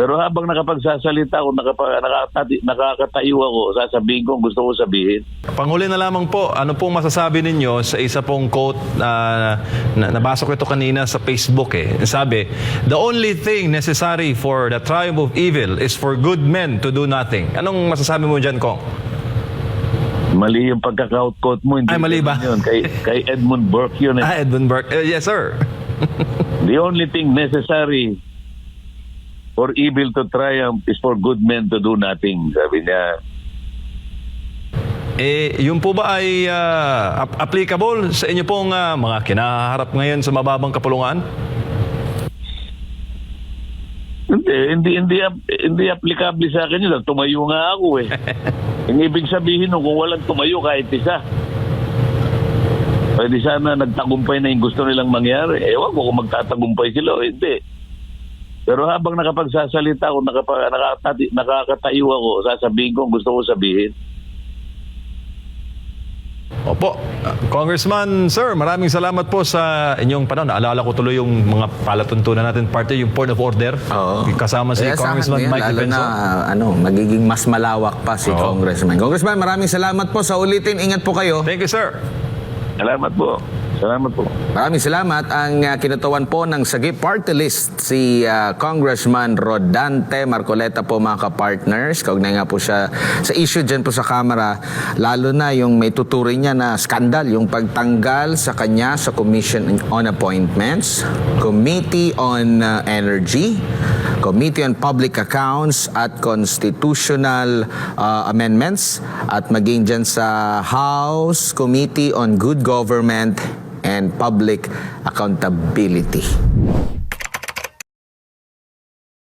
Pero habang nakapagsasalita ako, nakakatayo ako, sasabihin ko ang gusto ko sabihin. Panghuli na lamang po, ano pong masasabi ninyo sa isa pong quote na nabasa ko ito kanina sa Facebook Sabi, "The only thing necessary for the triumph of evil is for good men to do nothing." Anong masasabi mo dyan, Kong? Mali yung pagkaka-quote mo. Hindi Ay, mali ba? Yun. Kay Edmund Burke yun. Edmund Burke. Yes, sir. The only thing necessary for evil to triumph is for good men to do nothing. Sabi niya. Yun po ba ay applicable sa inyo pong mga kinaharap ngayon sa mababang kapulungan? Hindi applicable sa akin yun. Tumayo nga ako Ang ibig sabihin nung kung walang tumayo kahit isa, pwede sana nagtagumpay na yung gusto nilang mangyari. Ewan ko kung magtatagumpay sila o hindi. Pero habang nakapagsasalita ako, nakakatayo ako, sasabihin ko ang gusto ko sabihin. Opo. Congressman, sir, maraming salamat po sa inyong panahon. Naalala ko tuloy yung mga palatuntunan natin, parte yung point of order. Oo. Kasama si Congressman Mike lalo Defenso. na magiging mas malawak pa si Congressman. Congressman, maraming salamat po sa ulitin. Ingat po kayo. Thank you, sir. Salamat po. Salamat po. Maraming salamat. Ang kinutawan po ng Sagip Party List si Congressman Rodante Marcoleta po, mga ka-partners. Kaugnay nga po siya sa issue dyan po sa Kamara, lalo na yung may tuturing niya na skandal, yung pagtanggal sa kanya sa Commission on Appointments, Committee on Energy, Committee on Public Accounts at Constitutional Amendments, at maging dyan sa House Committee on Good Government and Public Accountability.